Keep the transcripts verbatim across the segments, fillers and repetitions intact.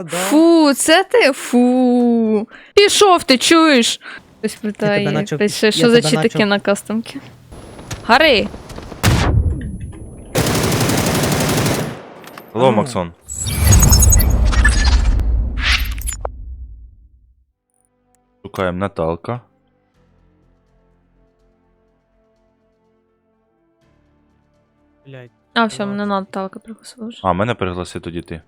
Фу, це ти? Фу. Пішов, ти чуєш? Хтось питає, начав- пише, що я за тебе читаки начав- на кастомки. Гари! Алло, А. Максон. Шукаємо Наталка. Блядь. А, все, Ладно. мене Наталка пригласила вже. А, мене пригласи тоді ти.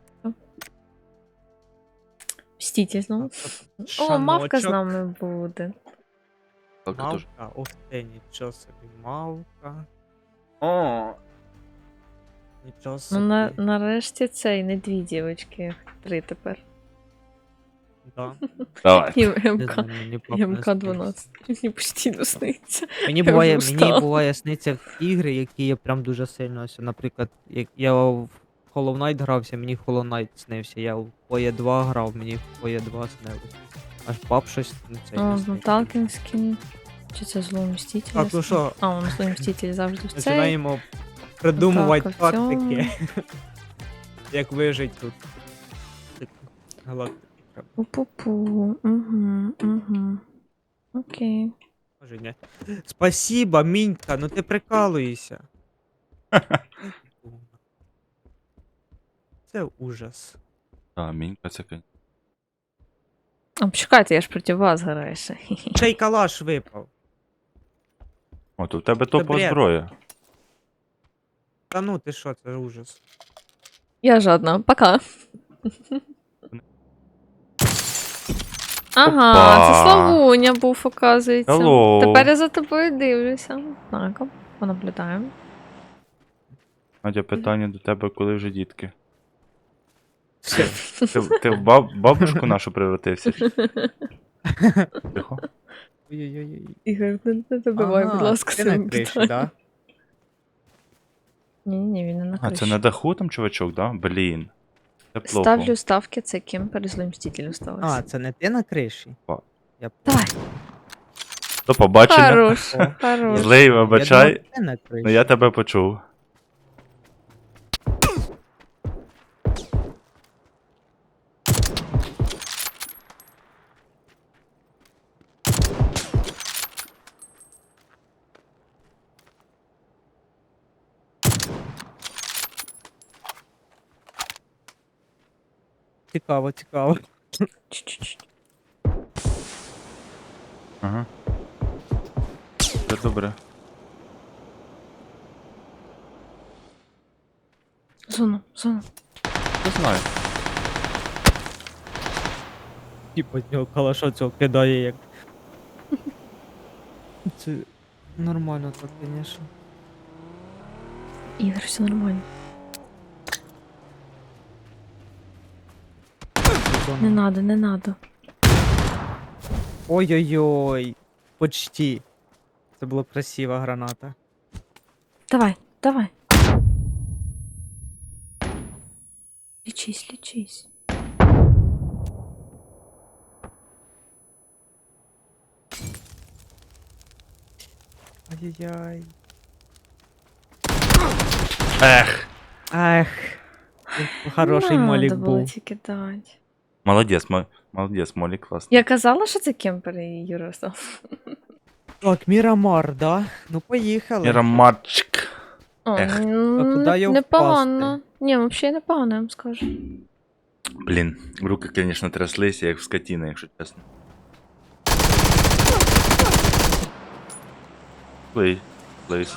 Мститель знову. О, мавка з нами буде. Наталка теж. Мавка? Ух ти, нічого собі. Мавка. О, Нічого Ну, собі. на, нарешті цей, не дві дівочки, три тепер. Да. давай. І Не знаю, МК, мені пап і не МК дванадцять. Мені постійно сниться. Мені Я буває, вже мені устала. буває сниться в ігри, які я прям дуже сильно ось, наприклад, як я в Hollow Knight грався, мені Hollow Knight снився. Я в Поє два грав, мені в Поє два снилось. Аж пап щось на цей О, не з сниться. Наталкин скін. Чи це зло мститель? Так, ну що, А, он зло мститель завжди в цей. починаємо придумувати Наталка в тактики. Як вижити тут. Галактики треба. Пу-пу-пу. Угу, угу. Окей. Може, ні. Спасибо, Мінька, ну ти прикалуєшся. Це ужас. А, мінька це кань. А, почекайте, я ж проти вас граю ще. Ще й калаш випав. О, то в тебе топова бред. зброя. Та ну ти що, це ужас. Я жадна. Пока. Ага, Опа. це Славуня був, оказується. Hello. Тепер я за тобою дивлюся. Так, понаблюдаємо. Надя, питання до тебе, коли вже дітки? Ти, ти в баб, бабушку нашу превратився? Тихо. Ой-ой-ой. Ігор, не, не добивай, будь ласка, ти на своїм криші, питанням. да? Ні, ні, він не на А, криші. це на даху там чувачок, да? Блін. Це плохо. Ставлю ставки, це кемпер з мстителем сталося. А, це не ти на криші? Па. Я Давай. До побачення. Хорош, О, хорош. Злий, Я вибачай, думав, ти на криші. ну я тебе почув. Цікаво, цікаво. Чуть-чуть. Ага. Це добре. Зона, зона. Не знаю. Типа з нього калаша цього кидає як. Це нормально так, звісно. Ігор, все нормально. Не надо, не надо. Ой-ой-ой. Почти. Це була красива граната. Давай, давай. Лічись, лічись. Ай-яй-яй. Ех. Ах. Хороший Надо молік було був. тільки дати. Молодець, мо- молодець, Молі, класно. Я казала, що це кемпер і Юра став. Так, Мірамар, да? Ну поїхали. Мірамарчик. О, Ех. ну, А куди не- його непогано. Ні, взагалі непогано, я вам скажу. Блін, руки, звісно, тряслися, як в скотіни, якщо чесно. Плей, плейс.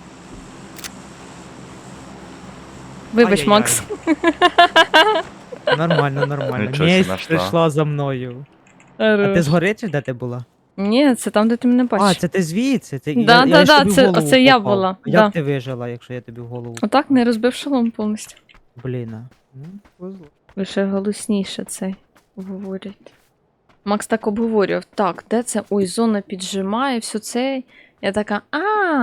Вибач, Ай-яй-яй. Макс. Нормально, нормально. Нічого себе Месть нашла. прийшла за мною. А ти згори чи де ти була? Ні, це там, де ти мене А, бачиш. це ти звідси? Це, Да, я, да, я ж да, тобі в це- голову оце я попав. була, Як да. ти вижила, якщо я тобі в голову? Отак не розбив шолом повністю. Блін. а. Ну, повезло. Лише голосніше цей говорять. Макс так обговорював. Так, де це? Ой, зона піджимає, все це. Я така, а.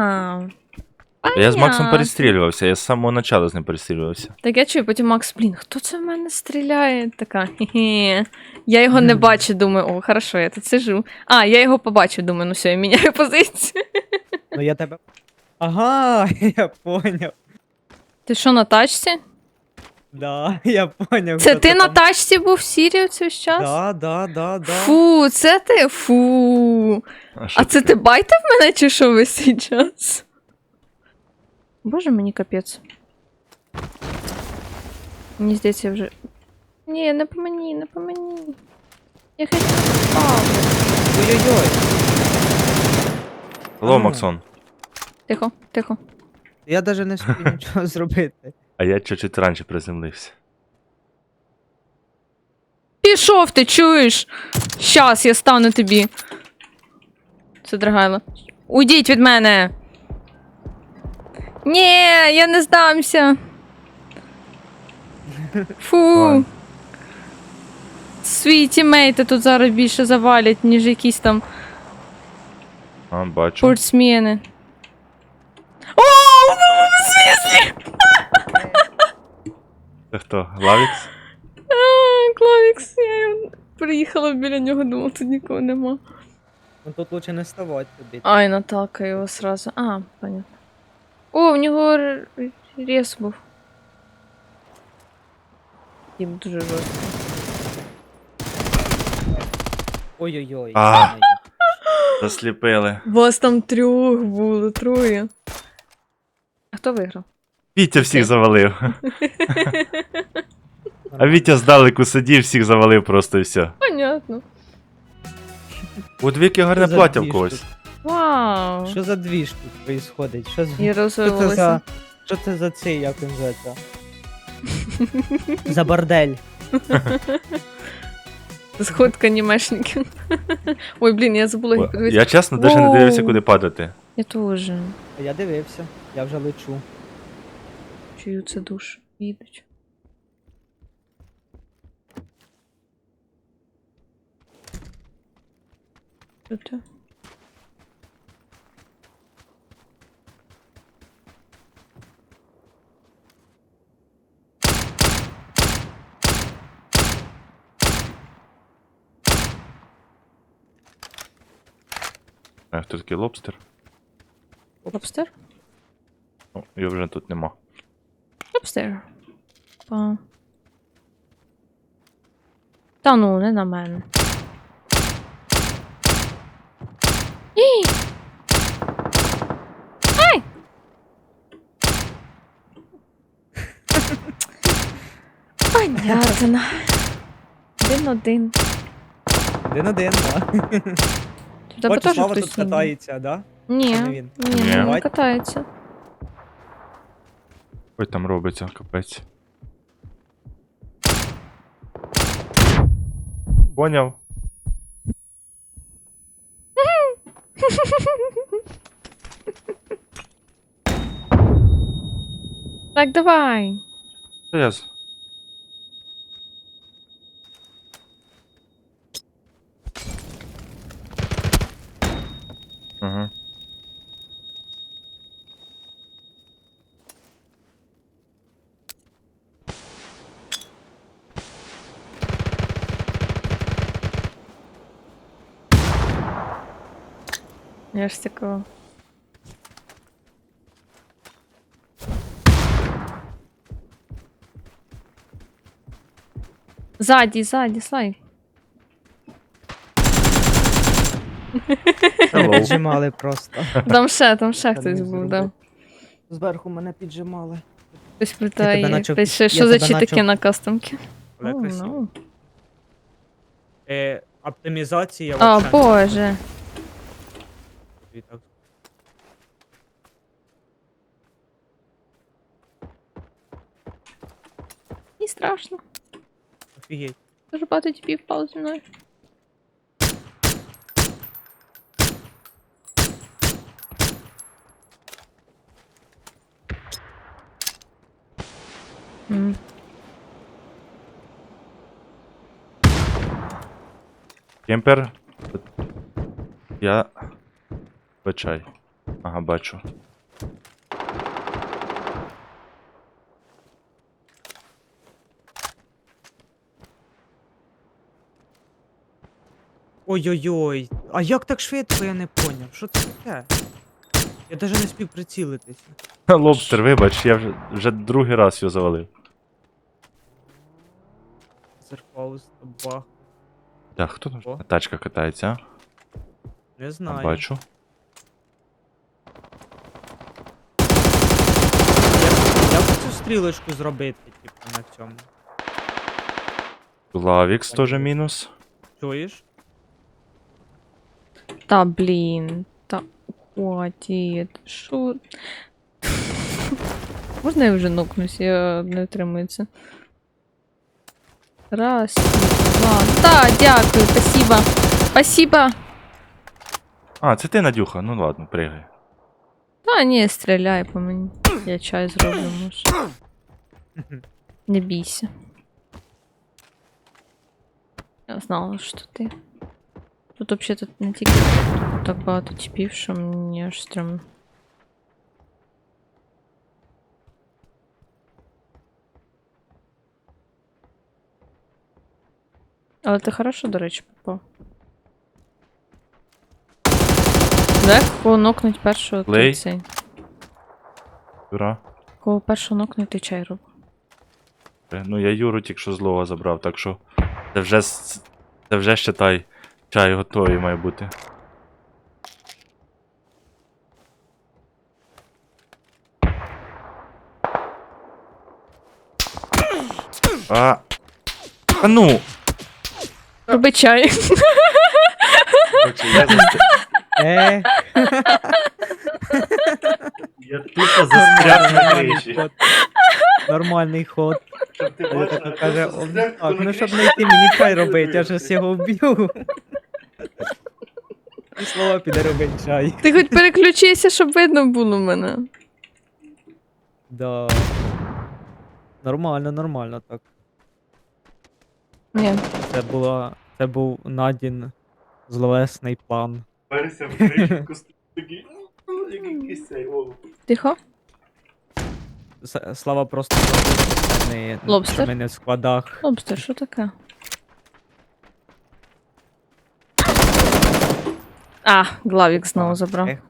Я з Максом понятно. перестрілювався, я з самого початку з ним перестрілювався. Так я чую, потім Макс, блін, хто це в мене стріляє? Така, хе-хе. Я його не бачу, думаю, о, хорошо, я тут сижу. А, я його побачив, думаю, ну все, я міняю позицію. Ну я тебе. Ага, я поняв. Ти що, на тачці? Да, я поняв. Це хто ти на там. тачці був в Сірії цей час? Да, да, да, да. Фу, це ти? Фу. що А це таке? ти байтив мене чи що весь цей час? Боже, мені капець. Мені здається, я вже. Ні, не по мені, не по мені. Я хотів впав. Ой-ой-ой. Алло, А. Максон. Тихо, тихо. Я навіть не встиг нічого зробити. А я чуть-чуть раніше приземлився. Пішов, ти чуєш? Щас я стану тобі. Це драгайло. Уйдіть від мене. Ні, я не здамся. Фу. Ладно. Свої тімейти тут зараз більше завалять, ніж якісь там А, бачу. спортсмени. О, в смислі? Це хто? Главікс? А, Клавікс, я його- приїхала біля нього, думала, тут нікого нема. Ну тут лучше не ставати тобі. Ай, Наталка його сразу. А, понятно. О, в нього р- рез був. Їм дуже жорстко. Ой-ой-ой. А. Засліпили. Вас там трьох було, троє. А хто виграв? Вітя всіх завалив. А Вітя здалеку сидів, всіх завалив просто і все. Понятно. У двіки гарне Що за плаття в двіж когось. тут? Вау. Що за двіж тут происходить? Що, з... І що це розвивалося. за... Що це за цей, як він зветься? За бордель. Сходка анімешників. Ой, блін, я забула їх О, подивитися. Я чесно навіть не дивився, Воу. куди падати. Я теж. А я дивився, я вже лечу. Чую, це душ. Їдуть. Що це? А хто такий лобстер? Лобстер? О, його вже тут нема. Лобстер. Па. Та ну, не на мене. Ій! Ай! Понятно. Один-один. Один-один, да. У тебе Бачу, теж Слава хтось тут ніби? катається, да? Ні, Це не він. ні, Ні. не катається. Ой, там робиться, капець. Поняв. Так, давай. Та я з- Ага. Я ж такого. Ззаді, ззаді, слай. Мене Hello. піджимали просто. Там ще, там ще Та хтось не був, зробив. да. Зверху мене піджимали. Хтось тебе питає, начав- пише, я що за тебе читаки начав- на кастомки. Але Oh, красиво. no. Е, оптимізація О, вообще боже. не так. Не страшно. Офігеть. Дуже багато тіпів впало зі мною. М. Кемпер. Я. Бачай. Ага, бачу. Ой-ой-ой. А як так швидко, я не поняв. Що це таке? Я навіть не спів прицілитися. Лобстер, вибач, я вже, вже другий раз його завалив. Панцерфауст, бах. Так, хто там? О. Тачка катається, а? Не А, знаю. бачу. Як, як цю стрілочку зробити, типу, на цьому? Главікс теж мінус. Чуєш? Та блін. Та хватить. Що? Можна я вже нокнусь, я не втримується. Раз, два. Та, дякую, спасибо. Спасибо. А, це ти, Надюха, ну ладно, пригай. Та ні, стріляй по мені. Я чай зроблю, може. Не бійся. Я знала, що ти. Тут взагалі тут не тільки так багато типів, що мені аж стрімно. Але ти хорошо, до речі, попав. Дай кого нокнуть першого ти Лей. цей. Юра. Кого першого нокнуть ти чай роб. Е, Ну я Юру тільки що злого забрав, так що це вже, с- це вже считай, чай готовий має бути. А, а ну! Роби чай. Короче, я, застря... Е, я тупо застряг на криші. ход. Нормальний ход. Щоб ти Я така каже, «О, так, ну щоб не йти мені чай робити, я ж його вб'ю. І слова піде робити чай. Ти хоч переключися, щоб видно було мене. Да. Нормально, нормально так. Ні. Це була. Це був Надін зловесний план. Перся в кришку, такий, як якийсь цей, о. Тихо. С- Слава просто зробив, не, Лобстер? що ми не в складах. Лобстер, що таке? А, Главік знову забрав. Ех.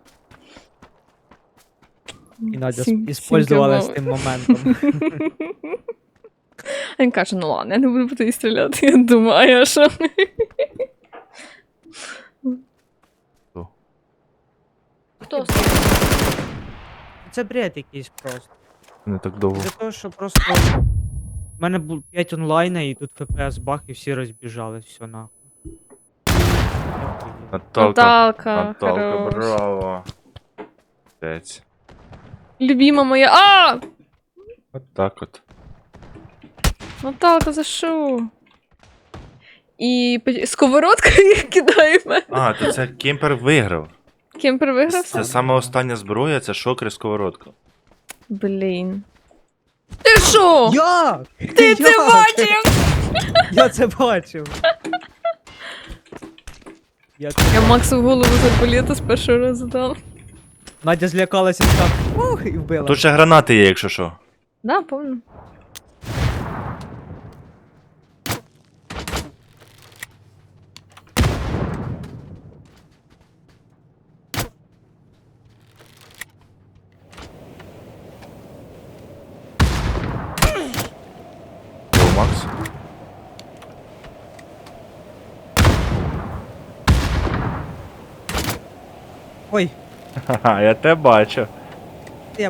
І Надя Сім- іспользувала з сімки тим моментом. А він каже, ну ладно, я не буду по тобі стріляти. Я думаю, а я що? Хто? Хто? Це бред якийсь просто. Не так довго. Для того, що просто. У мене було п'ять онлайна і тут еф пі ес бах і всі розбіжались, все нахуй. Наталка, Наталка, Наталка, хорош. браво. Пець. Любима моя. А! От так от. Наталка, за що? І по- сковородкою кидає в мене. А, то це Кемпер виграв. Кемпер виграв? Це саме остання зброя, це шокер і сковородка. Блін. Ти що? Як? Ти це бачив? Я це бачив. Я це... Я Максу в голову з арбалета з першого разу дав. Надя злякалася і так ух, і вбила. Тут ще гранати є, якщо що. Да, помню. О, Макс. Ой, Ха-ха, я тебе бачу. я...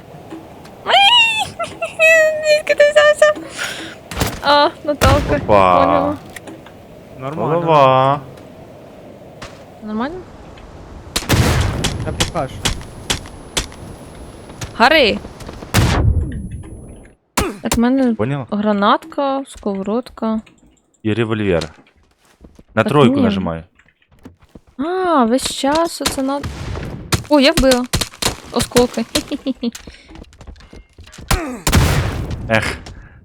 Звідки ти взявся? А, Наталка. Опа. Поняла. Нормально. Голова. Нормально? Я покажу. Гари! Так, в мене Поняла? гранатка, сковородка. І револьвер. На Так тройку ні. нажимай. А, весь час оце на. О, я вбила. Осколки. Хі-хі-хі. Ех.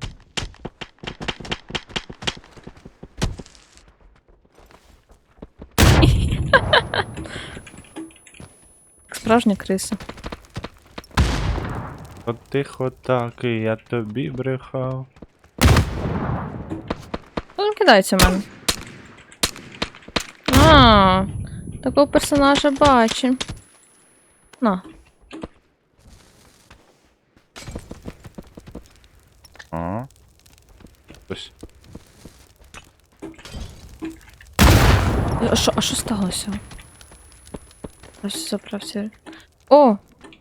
Справжня криса. От тихо так, і я тобі брехав. Ну, він кидається в мене. А, такого персонажа бачу. На. Ага. Ось. А що, а що сталося? Ось заправся. О!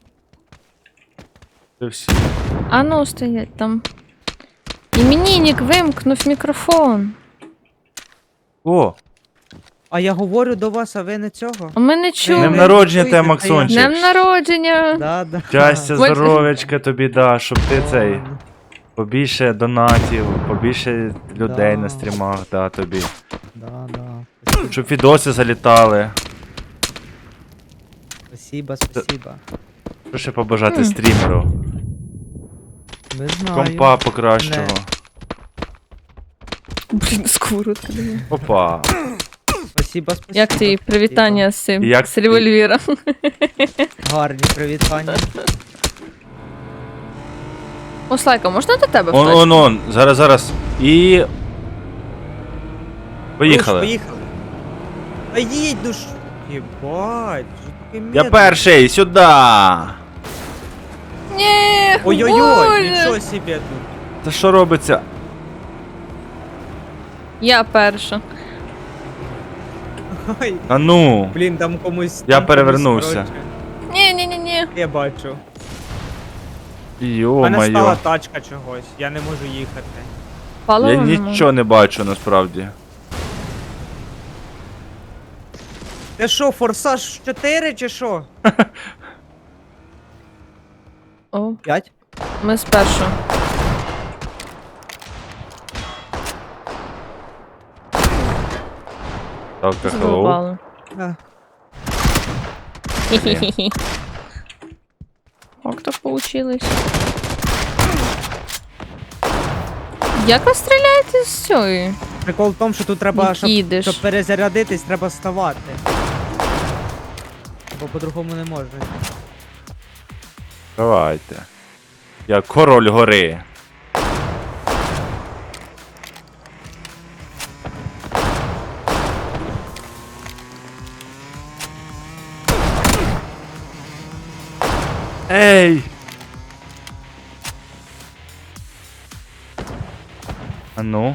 Це всі. А ну, стоять там. Іменинник вимкнув мікрофон. О, А я говорю до вас, а ви не цього? А ми не з чули. днем ви народження чуєте, тебе, та Максончик. Днем народження! Да, да. Щастя, Ой. здоров'ячка тобі, да, щоб ти цей. Ладно. Побільше донатів, побільше людей Да. на стрімах, да, тобі. Да, да. Щоб відоси залітали. Спасибо, спасибо. Що ще побажати Хм. стрімеру? Не знаю. Компа покращого. Блін, сковородка. диви. Опа. Спасибо, спасибо. Як твої спасибо. привітання з цим? Як з ти- револьвера. Гарні привітання. О, Слайка, можна до тебе в Он, точку? он, он. Зараз, зараз. І. Поїхали. Руш, поїхали. А їдь, ну ж. Єбать, що таке Я медленно. перший, сюди. Ні, Ой-ой-ой, Боже! нічого собі тут. Та що робиться? Я перша. Ой, А ну. блін, там комусь. Я там перевернувся. комусь, коротше. Ні, ні, ні, ні. Я бачу. У мене стала Йо-моє. тачка чогось, я не можу їхати. Паливо Я нема. нічого не бачу насправді. Ти що, форсаж чотири чи що? О, п'ять? ми спершу. Так, hello. Задовбали. А. Хі-хі-хі. Як так получилось? Як ви стріляєте з цієї? Прикол в тому, що тут треба, щоб, Їдеш. щоб перезарядитись, треба вставати. Бо по-другому не можна. Давайте. Я король гори. Ей! А ну.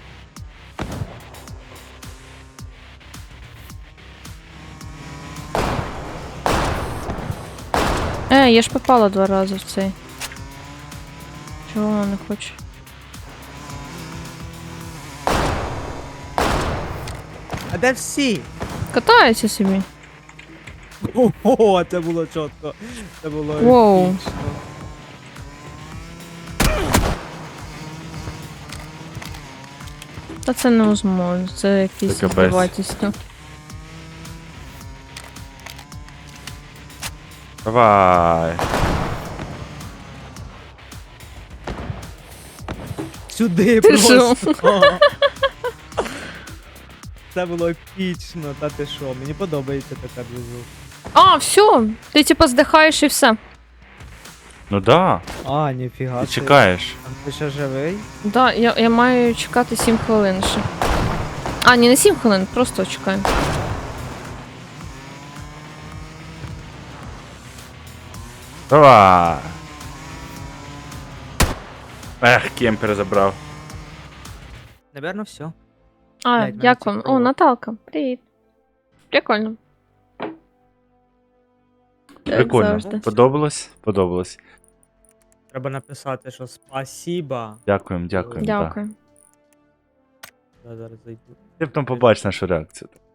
Е, я ж попала два рази в цей. Чого вона не хоче? А де всі? Катаються собі. Ого, це було чітко. Це було Воу. епічно. Та це невозможно, це якісь Це капець. здавательство. Давай. Сюди Ти просто. Це було епічно, та ти що, мені подобається така движуха. А, все! Ти типа здихаєш і все. Ну да. А, ніфіга. Ти собі. чекаєш. А ти ще живий? Да, я, я маю чекати сім хвилин ще. А, ні, не сім хвилин, просто чекаю. Давай. Ех, кемпер забрав. Наверно, все. А, Блядь, мене як вам? О, цікаво. Наталка, привіт. Прикольно. Як Прикольно. завжди. Подобалось? Подобалось. Треба написати, що спасіба. Дякуємо, дякуємо. да. Дякую. Я зараз зайду. Ти б там побачиш нашу реакцію.